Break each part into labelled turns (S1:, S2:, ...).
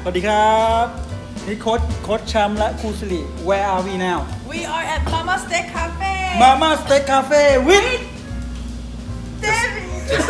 S1: สวัสดีครับนี่โค้ชแชมป์และครูสิริ Where are we now
S2: We are at Mama Steak Cafe.
S1: Mama Steak Cafe with
S2: David.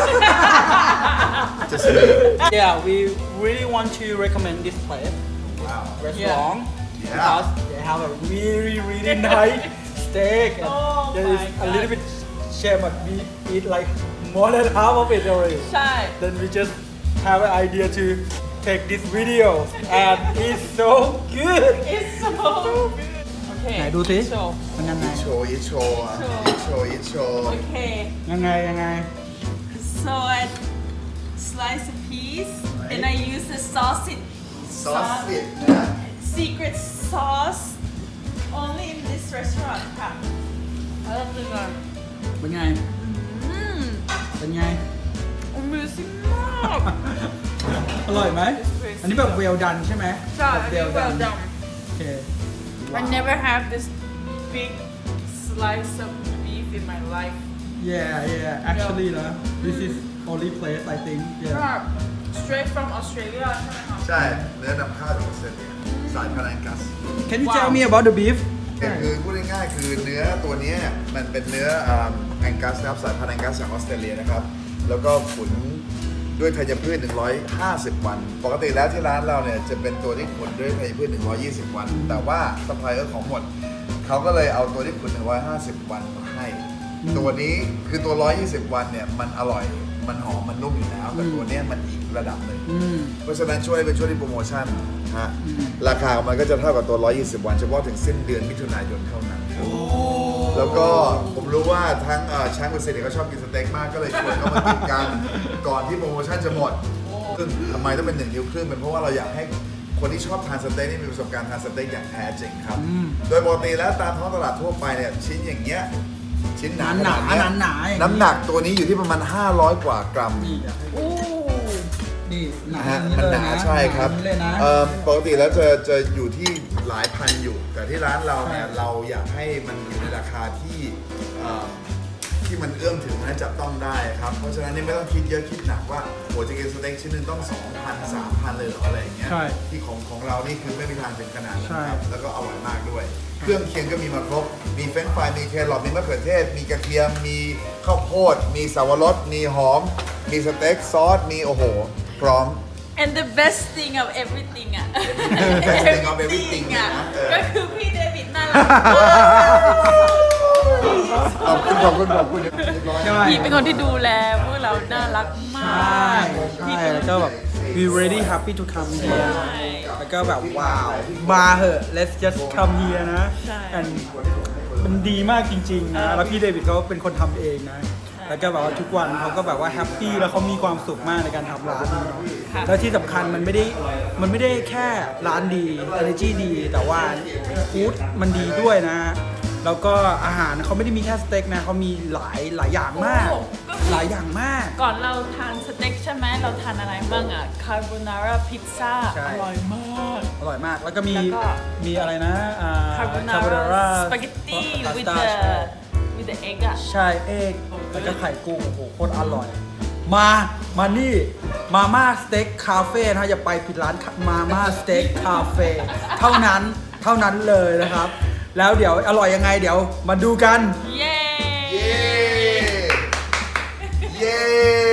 S3: Just me.
S1: yeah we really want to recommend this place
S3: Wow.
S1: restaurant
S3: Yeah.
S1: because they have a really nice steak and
S2: Oh
S1: there is
S2: my
S1: a little bit shame but we eat like more than half of it already
S2: ใช่
S1: then we just have an idea to take this video and it's so good
S2: It's so good. Okay.
S1: ไหนดูสิ
S2: So,
S1: มันยังไง
S3: Eat show.
S2: okay.
S1: ยังไง
S2: So I slice a piece and I use the sausage.
S3: Sausage นะ
S2: Secret sauce. Only in this restaurant ค่ะแล้วเราดูก่อน
S1: เป็นไง เป็นไง
S2: Amazing มาก
S1: อร่อยไหม อันนี้แบบ well done ใช่ไหม
S2: ใช่
S1: แบบ
S2: well done
S1: โอเค
S2: I never have this big slice of beef in my life.
S1: yeah actually นะ this is only place I think yeah
S2: Straight from Australia ใช่ไหมคะ
S3: ใช่ เนื้อนำเข้าจากออสเตรเลียสายพันธุ์แองกัส
S1: can you tell me about the beef
S3: คือพูดง่ายๆคือเนื้อตัวนี้เนี่ยมันเป็นเนื้อแองกัสนะครับสายพันธุ์แองกัสจากออสเตรเลียนะครับ แล้วก็ขุนด้วยธัญพืช 150 วัน ปกติแล้วที่ร้านเราเนี่ยจะเป็นตัวที่ขุนด้วยธัญพืช 120 วัน แต่ว่าซัพพลายเออร์ของหมด เขาก็เลยเอาตัวที่ขุน 150 วันมาให้ ตัวนี้คือตัว 120 วันเนี่ยมันอร่อย มันหอม มันนุ่มอยู่แล้ว แต่ตัวเนี้ยมันอีกระดับหนึ่ง เพราะฉะนั้นช่วยเป็นช่วงที่โปรโมชั่นฮะราคามันก็จะเท่ากับตัว 120 วันเฉพาะถึงสิ้นเดือนมิถุนายนเท่านั้นครับแล้วก็ผมรู้ว่าทั้งช้างกับเซนเขาชอบกินสเต็กมากก็เลยชวนเขามากินกันก่อนที่โปรโมชั่นจะหมดซึ่งทำไมต้องเป็น1 นิ้วครึ่งเป็นเพราะว่าเราอยากให้คนที่ชอบทานสเต็กนี่มีประสบการณ์ทานสเต็กอย่างแท้จริงครับโดยปกติแล้วตามท้องตลาดทั่วไปเนี่ยชิ้นอย่างเงี้ยชิ้นหนาขนาดเนี้ย
S1: หนาๆอย่างนี้
S3: น้ำหนักตัวนี้อยู่ที่ประมาณ500 กว่ากรัม
S1: นี่อยากให้ดู
S2: อู้
S1: นี่หนา
S3: นะฮะ
S1: อย่ง
S3: มัน
S1: เลย
S3: หนาใช่ครับ
S1: อย่างนี้เลยนะ
S3: ปกติแล้วจะอยู่ที่หลายพันอยู่ แต่ที่ร้านเราเนี่ยเราอยากให้มันอยู่ในราคาที่มันเอื้อมถึงและจับต้องได้ครับ เพราะฉะนั้นนี่ไม่ต้องคิดเยอะคิดหนักว่าโหจะกินสเต็กชิ้นหนึงต้อง 2,000 3,000 เลยเหรออะไรอย่างเงี้ย
S1: ใช่
S3: ที่ของเรานี่คือไม่มีทางถึงขนาดนั้นครับ
S1: ใช่
S3: แล้วก็อร่อยมากด้วย เครื่องเคียงก็มีมาครบ มีเฟรนช์ฟรายมีแครอทมีมะเขือเทศ มีกระเทียมมีข้าวโพดมีสาวรสมีหอม มีสเต็กซอสมีโอ้โหพร้อม
S2: And the best thing of everything อ่ะ
S3: best thing of everything
S2: อ่ะ
S3: นะ
S2: ก็คือพี่เดวิดน่ารัก
S3: ขอบคุณเรียบร้อย
S1: ใช่
S2: พี่เป็นคนที่ดูแลพวกเราน่ารักมา
S1: ใช่
S2: ก
S1: ใช่แล้วก็แบบ we really happy to come here
S2: ใช่
S1: แล้วก็แบบว้าวมาเหอะ let's just come here นะ
S2: ใช่
S1: and มันดีมากจริงๆนะ แล้วพี่เดวิดเขาเป็นคนทำเองนะ แล้วก็แบบว่าทุกวันเขาก็แบบว่าแฮปปี้แล้วเขามีความสุขมากในการทำร้านนี้เนาะแล้วที่สำคัญมันไม่ได้แค่ร้านดี energy ดี แต่ว่าฟู้ดมันดีด้วยนะ แล้วก็อาหารเขาไม่ได้มีแค่สเต็กนะเขามีหลายอย่างมาก
S2: โอ้ก็คือ
S1: หลายอย่างมาก
S2: ก่อนเราทานสเต็กใช่ไหมเราทานอะไรบ้างอ่ะคาโบนาร่าพิซซ่า
S1: ใช่
S2: อร่อยมาก
S1: อร่อยมาก แล้วก็มี
S2: แล้วก็
S1: มีอะไรนะ
S2: คาโบนา
S1: carbonara
S2: ร่าสปาเกตตี้ with
S1: pasta
S2: the egg อ่ะ
S1: ใช่เอกแล้วก็ไข่กุ้งโอ้โหโคตรอร่อย มานี่มาม่าสเต็กคาเฟ่นะอย่าไปผิดร้านมาม่าสเต็กคาเฟ่เท่านั้นเลยนะครับ แล้วเดี๋ยวอร่อยยังไงเดี๋ยวมาดูกัน
S2: เย้
S3: เย้